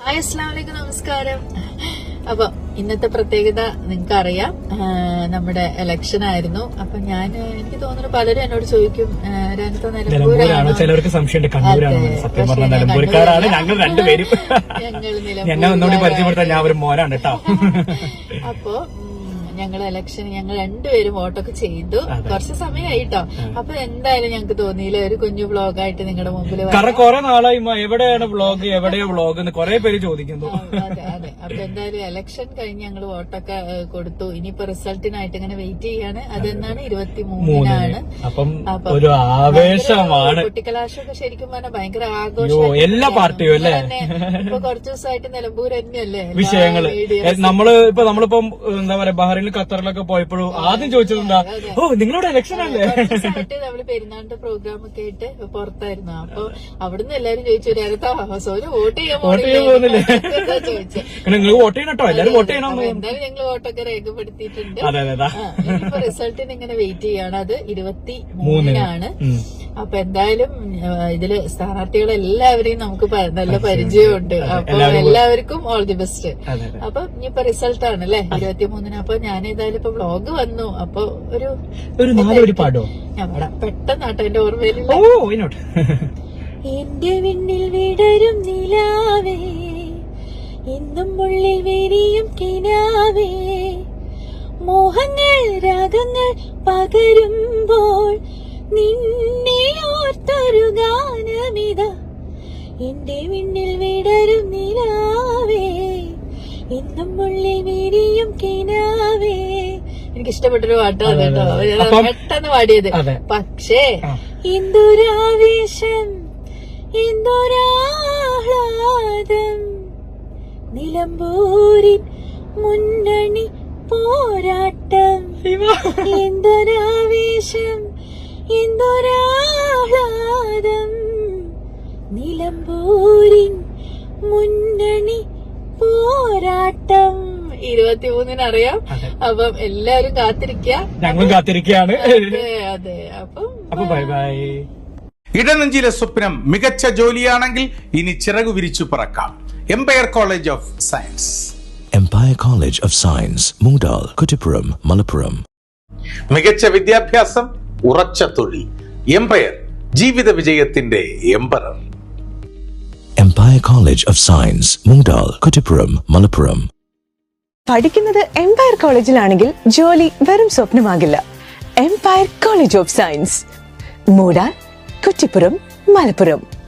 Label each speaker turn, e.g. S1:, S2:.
S1: Hi, അസ്സലാമു അലൈക്കും, നമസ്കാരം. അപ്പൊ ഇന്നത്തെ പ്രത്യേകത നിങ്ങൾക്ക് അറിയാം, നമ്മുടെ ഇലക്ഷൻ ആയിരുന്നു. അപ്പൊ എനിക്ക് തോന്നുന്നു പലരും എന്നോട് ചോദിക്കും, രംഗത്ത് നിലമ്പൂരാണോ?
S2: ചിലർക്ക് സംശയമുണ്ട് കണ്ണൂരാണ്. സത്യം പറഞ്ഞാൽ നിലമ്പൂർക്കാരാണ് ഞങ്ങൾ രണ്ടുപേരും. എന്നെ ഒന്നുകൂടി പരിചയപ്പെടുത്താൻ ഞാൻ ഒരു മോനാണ് കേട്ടോ.
S1: അപ്പൊ ഞങ്ങൾ രണ്ടുപേരും വോട്ടൊക്കെ ചെയ്തു. കുറച്ച് സമയമായിട്ടോ. അപ്പൊ എന്തായാലും ഞങ്ങക്ക് തോന്നിയില്ല ഒരു കുഞ്ഞു വ്ളോഗായിട്ട് നിങ്ങളുടെ മുമ്പിൽ.
S2: കാരണം കുറെ നാളായി എവിടെയാണ് വ്ളോഗ്, എവിടെയോ വ്ളോഗ് എന്ന് കുറെ പേര് ചോദിക്കുന്നു.
S1: അതെ. അപ്പൊ എന്തായാലും ഇലക്ഷൻ കഴിഞ്ഞ് ഞങ്ങൾ വോട്ടൊക്കെ കൊടുത്തു. ഇനിയിപ്പോ റിസൾട്ടിനായിട്ട് ഇങ്ങനെ വെയിറ്റ് ചെയ്യാണ്. അതെന്നാണ് 23-നാണ്.
S2: അപ്പം ഒരു ആവേശമാണ്.
S1: കുട്ടിക്കലാശമൊക്കെ ശരിക്കും പറഞ്ഞാൽ ഭയങ്കര ആഘോഷം.
S2: എല്ലാ പാർട്ടിയും അല്ലേ?
S1: ഇപ്പൊ കുറച്ചു ദിവസമായിട്ട് നിലമ്പൂർ തന്നെയല്ലേ
S2: വിഷയങ്ങള്. നമ്മളിപ്പം എന്താ പറയാ, ബഹ്റൈനിൽ ഖത്തറിലൊക്കെ പോയപ്പോഴും ആദ്യം ചോദിച്ചതെന്താ, നിങ്ങളുടെ ഇലക്ഷൻ അല്ലേ?
S1: നമ്മള് പെരുന്നാളിന്റെ പ്രോഗ്രാം ഒക്കെ ആയിട്ട് പുറത്തായിരുന്നു. അപ്പൊ അവിടുന്ന് എല്ലാരും ചോദിച്ചു, സോനു വോട്ട് ചെയ്യാൻ
S2: പോകുന്നില്ലേ
S1: ചോദിച്ചു.
S2: നിങ്ങൾ വോട്ട് ചെയ്യണം കേട്ടോ, എല്ലാരും വോട്ട് ചെയ്യണം.
S1: എന്തായാലും ഞങ്ങള് വോട്ടൊക്കെ രേഖപ്പെടുത്തിയിട്ടുണ്ട്. ഇപ്പൊ റിസൾട്ടിന് ഇങ്ങനെ വെയിറ്റ് ചെയ്യാണ്. അത് 23-നാണ്. അപ്പൊ എന്തായാലും ഇതില് സ്ഥാനാർത്ഥികളെ എല്ലാവരെയും നമുക്ക് നല്ല പരിചയമുണ്ട്. അപ്പൊ എല്ലാവർക്കും ഓൾ ദി ബെസ്റ്റ്. അപ്പൊ ഇനിയിപ്പോ റിസൾട്ട് ആണ് അല്ലെ 23-ന്. അപ്പൊ ഞാൻ ഏതായാലും ഇപ്പൊ വ്ളോഗ് വന്നു. അപ്പൊ ഒരു 4 വരി പാടോ? ഞാൻ പാടാം, പെട്ടെന്നാട്ടോ എന്റെ ഓർമ്മയിലില്ല. എന്റെ വിണ്ണിൽ വിടരും നിലാവേ, എന്നും ഉള്ളിൽ വിരിയും കിനാവേ, മോഹങ്ങൾ രാഗങ്ങൾ പകരുമ്പോൾ നിന്നെ ഓർത്തൊരു ഗാനമിത. എന്റെ വിണ്ണിൽ വിടരും നിലാവേ, എന്നും ഉള്ളിൽ വിരിയും കിനാവേ. എനിക്ക് ഇഷ്ടപ്പെട്ടൊരു പാട്ടാണ് കേട്ടോ, പെട്ടെന്ന് പാടിയത്. പക്ഷേ എന്തൊരാവേശം, എന്തൊരാഹ്ലാദം, നിലമ്പൂരിൻ മുന്നണി പോരാട്ടം. എന്തൊരാവേശം, എന്തൊരാഹ്ലാദം, നിലമ്പൂരിൻ മുന്നണി പോരാട്ടം. 23-ന് അറിയാം. അപ്പം എല്ലാവരും കാത്തിരിക്കുക,
S2: ഞങ്ങളും കാത്തിരിക്കുകയാണ്.
S1: അതെ. അപ്പം
S2: ബൈ ബൈ.
S3: ഇടനെഞ്ചിലെ സ്വപ്നം മികച്ച ജോലിയാണെങ്കിൽ ഇനി ചിറകു വിരിച്ചു പറക്കാം. Empire college of science.
S4: Empire College of Science, Moondal, Kuttipuram, Malappuram.
S3: മികച്ച വിദ്യാഭ്യാസം, ഉറച്ച തൊഴിൽ. എംപയർ, ജീവിത വിജയത്തിന്റെ emperor.
S4: Empire College of Science, Moondal, Kuttipuram, Malappuram.
S5: പഠിക്കുന്നത് എംപയർ കോളേജിലാണെങ്കിൽ ജോലി വെറും സ്വപ്നമാകില്ല. Empire college of science, Moondal, Kuttipuram, Malappuram.